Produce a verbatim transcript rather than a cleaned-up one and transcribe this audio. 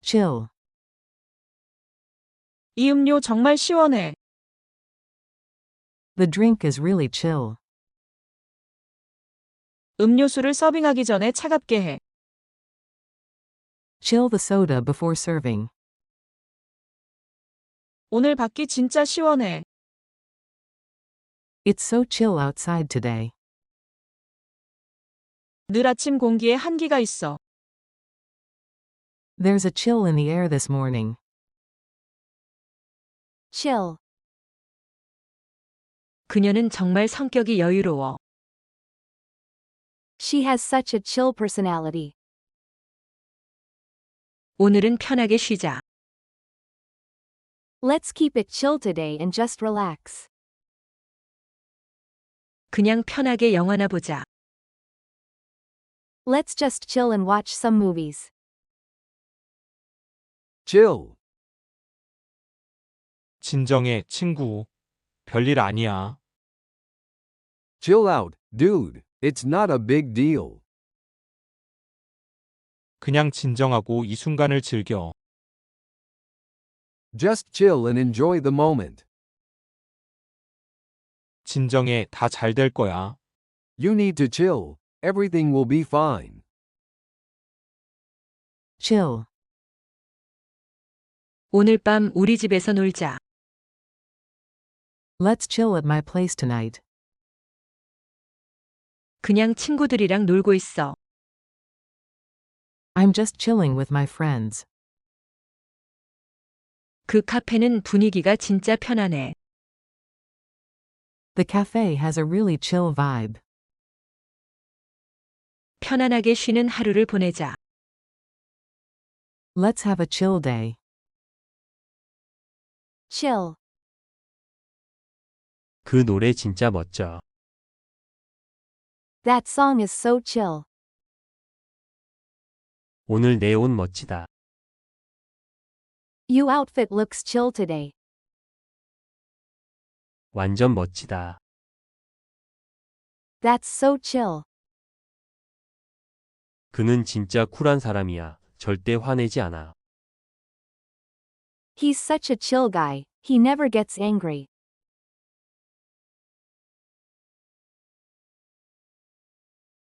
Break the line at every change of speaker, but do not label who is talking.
Chill.
이 음료 정말 시원해.
The drink is really chill.
음료수를 서빙하기 전에 차갑게 해.
Chill the soda before serving.
오늘 밖이 진짜 시원해.
It's so chill outside today.
늘 아침 공기에 한기가 있어.
There's a chill in the air this morning.
Chill.
그녀는 정말 성격이 여유로워.
She has such a chill personality.
오늘은 편하게 쉬자.
Let's keep it chill today and just relax.
그냥 편하게 영화나 보자.
Let's just chill and watch some movies.
Chill.
진정해, 친구. 별일 아니야.
Chill out, dude. It's not a big deal.
그냥 진정하고 이 순간을 즐겨.
Just chill and enjoy the moment.
진정해, 다 잘 될 거야.
You need to chill. Everything will be fine.
Chill.
오늘 밤 우리 집에서 놀자.
Let's chill at my place tonight.
그냥 친구들이랑 놀고 있어.
I'm just chilling with my friends.
그 카페는 분위기가 진짜 편안해.
The cafe has a really chill vibe.
편안하게 쉬는 하루를 보내자.
Let's have a chill day.
Chill.
그 노래 진짜 멋져.
That song is so chill.
오늘 내 옷 멋지다.
You outfit looks chill today.
완전 멋지다.
That's so chill.
그는 진짜 쿨한 사람이야. 절대 화내지 않아.
He's such a chill guy. He never gets angry.